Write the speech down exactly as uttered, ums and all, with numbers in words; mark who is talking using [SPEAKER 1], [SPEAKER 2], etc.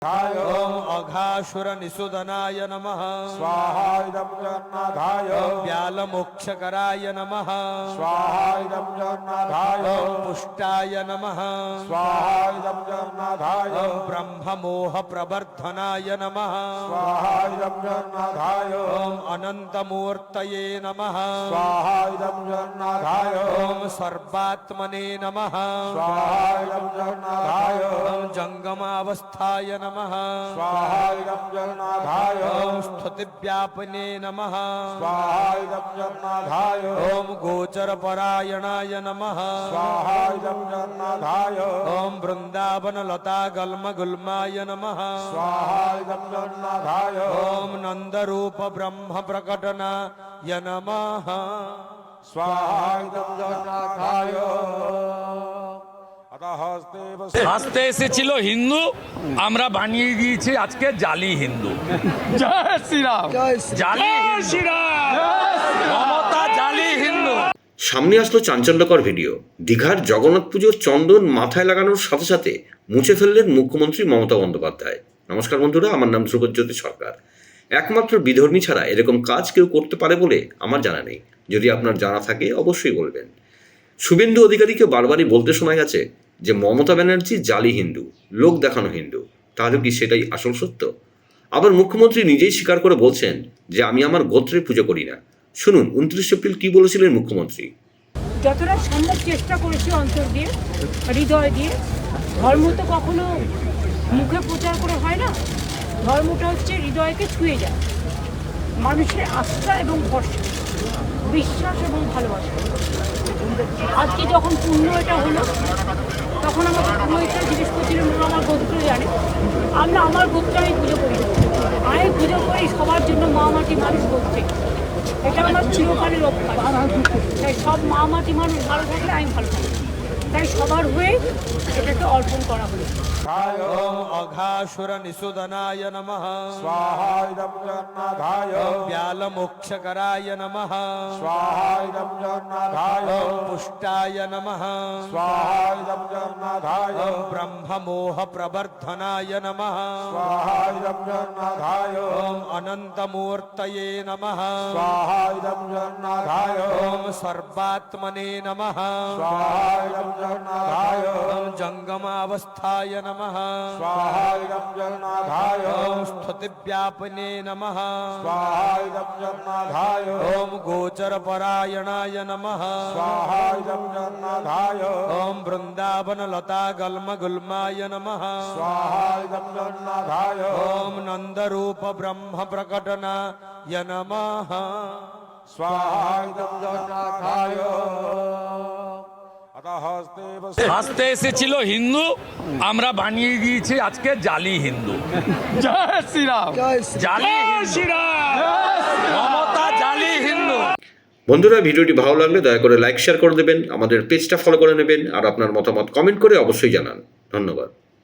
[SPEAKER 1] ओम अघासुर निषुदनाय नमः
[SPEAKER 2] स्वाहा इदं जगन्नाथाय
[SPEAKER 1] ओम व्यालमोक्षकराय नमः
[SPEAKER 2] स्वाहा इदं जगन्नाथाय
[SPEAKER 1] ओम पुष्टाय नमः
[SPEAKER 2] स्वाहा इदं जगन्नाथाय
[SPEAKER 1] ओम ब्रह्ममोह प्रवर्धनाय नमः
[SPEAKER 2] स्वाहा इदं जगन्नाथाय
[SPEAKER 1] ओम अनंतमूर्तये नमः
[SPEAKER 2] स्वाहा इदं जगन्नाथाय
[SPEAKER 1] ओम सर्वात्मने नमः
[SPEAKER 2] स्वाहा इदं जगन्नाथाय
[SPEAKER 1] ओम जंगमावस्थाय नमः
[SPEAKER 2] स्वाहा इदं जगन्नाथाय
[SPEAKER 1] ओम स्तुतिव्यापिने नमः
[SPEAKER 2] स्वाहा इदं जगन्नाथाय
[SPEAKER 1] ओम गोचरपरायणाय नमः
[SPEAKER 2] स्वाहा इदं जगन्नाथाय
[SPEAKER 1] ओम वृंदावन लता गल्म गुल्माय नमः
[SPEAKER 2] स्वाहा इदं जगन्नाथाय
[SPEAKER 1] ओम नंदरूप ब्रह्म प्रकटनाय नमः
[SPEAKER 2] स्वाहा इदं जगन्नाथाय
[SPEAKER 3] আসতে এসেছিল হিন্দু, আমরা বানিয়ে দিয়েছি আজকে জালি হিন্দু।
[SPEAKER 4] জয় শ্রীরাম।
[SPEAKER 3] জালি শ্রীরাম, মমতা জালি হিন্দু।
[SPEAKER 5] সামনে আসলো চাঞ্চল্যকর ভিডিও। দীঘার জগন্নাথ পুজোর চন্দন মাথায় লাগানোর সাথে সাথে মুছে ফেললেন মুখ্যমন্ত্রী মমতা বন্দ্যোপাধ্যায়। নমস্কার বন্ধুরা, আমার নাম ধ্রুবজ্যোতি সরকার। একমাত্র বিধর্মী ছাড়া এরকম কাজ কেউ করতে পারে বলে আমার জানা নেই। যদি আপনার জানা থাকে অবশ্যই বলবেন। শুভেন্দু অধিকারীকে বারবারই বলতে শোনা গেছে যে মমতা ব্যানার্জি জালি হিন্দু, লোক দেখানো হিন্দু। তাহলে কি সেটাই আসল সত্য? আবার মুখ্যমন্ত্রী নিজেই স্বীকার করে বলছেন যে আমি আমার গোত্রে পুজো করি না। শুনুন উনত্রিশ এপ্রিল কি বলেছিলেন মুখ্যমন্ত্রী।
[SPEAKER 6] যতটা সম্ভব চেষ্টা করেছি অন্তর দিয়ে, হৃদয় দিয়ে। ধর্ম তো কখনো মুখে প্রচার করে হয় না, ধর্মটা হচ্ছে হৃদয়কে ছুঁয়ে যায়। মানুষের আস্থা এবং ভরসা, বিশ্বাস এবং ভালোবাসা। আজকে যখন পুণ্য এটা হলো, তখন আমাকে পুরোহিতটা জিজ্ঞেস করছিলেন আমার গোত্র জানে। আমরা আমার গোত্রে আমি পুজো করি, আমি পুজো করি সবার জন্য, মা মাটি মানুষ গোত্রে। এটা আমার চিরকালের অভ্যাস। তাই সব মা মাটি মানুষ ভালো থাকলে আমি ভালো থাকি, তাই সবার হয়ে এটাকে অর্পণ করা হলো।
[SPEAKER 1] ओम अघासुर निषुदनाय नमः
[SPEAKER 2] स्वाहा इदं जगन्नाथाय
[SPEAKER 1] ओम व्यालमोक्षकराय नमः
[SPEAKER 2] स्वाहा इदं जगन्नाथाय
[SPEAKER 1] ओम पुष्टाय नमः
[SPEAKER 2] स्वाहा इदं जगन्नाथाय
[SPEAKER 1] ओम ब्रह्ममोह प्रवर्धनाय नमः
[SPEAKER 2] स्वाहा इदं जगन्नाथाय
[SPEAKER 1] ओम अनंतमूर्तये नमः
[SPEAKER 2] स्वाहा इदं जगन्नाथाय
[SPEAKER 1] ओम सर्वात्मने नमः
[SPEAKER 2] स्वाहा इदं जगन्नाथाय
[SPEAKER 1] ओम जंगमावस्थाय नमः
[SPEAKER 2] स्वाहा इदं जगन्नाथाय
[SPEAKER 1] ओम स्तुतिव्यापिने नमः
[SPEAKER 2] स्वाहा इदं जगन्नाथाय
[SPEAKER 1] ओम गोचरपरायणाय नमः
[SPEAKER 2] स्वाहा इदं जगन्नाथाय
[SPEAKER 1] ओम वृंदावन लता गल्म गुल्माय नमः
[SPEAKER 2] स्वाहा इदं जगन्नाथाय
[SPEAKER 1] ओम नंदरूप ब्रह्म प्रकटनाय नमः
[SPEAKER 2] स्वाहा इदं जगन्नाथाय
[SPEAKER 3] আসতে এসেছিল হিন্দু, আমরা বানিয়ে দিয়েছি আজকে জালি হিন্দু।
[SPEAKER 4] জয় শ্রীরাম।
[SPEAKER 3] জালি শ্রীরাম, মমতা জালি হিন্দু।
[SPEAKER 5] বন্ধুরা, ভিডিওটি ভালো লাগলে দয়া করে লাইক শেয়ার করে দেবেন, আমাদের পেজটা ফলো করে নেবেন, আর আপনার মতামত কমেন্ট করে অবশ্যই জানান। ধন্যবাদ।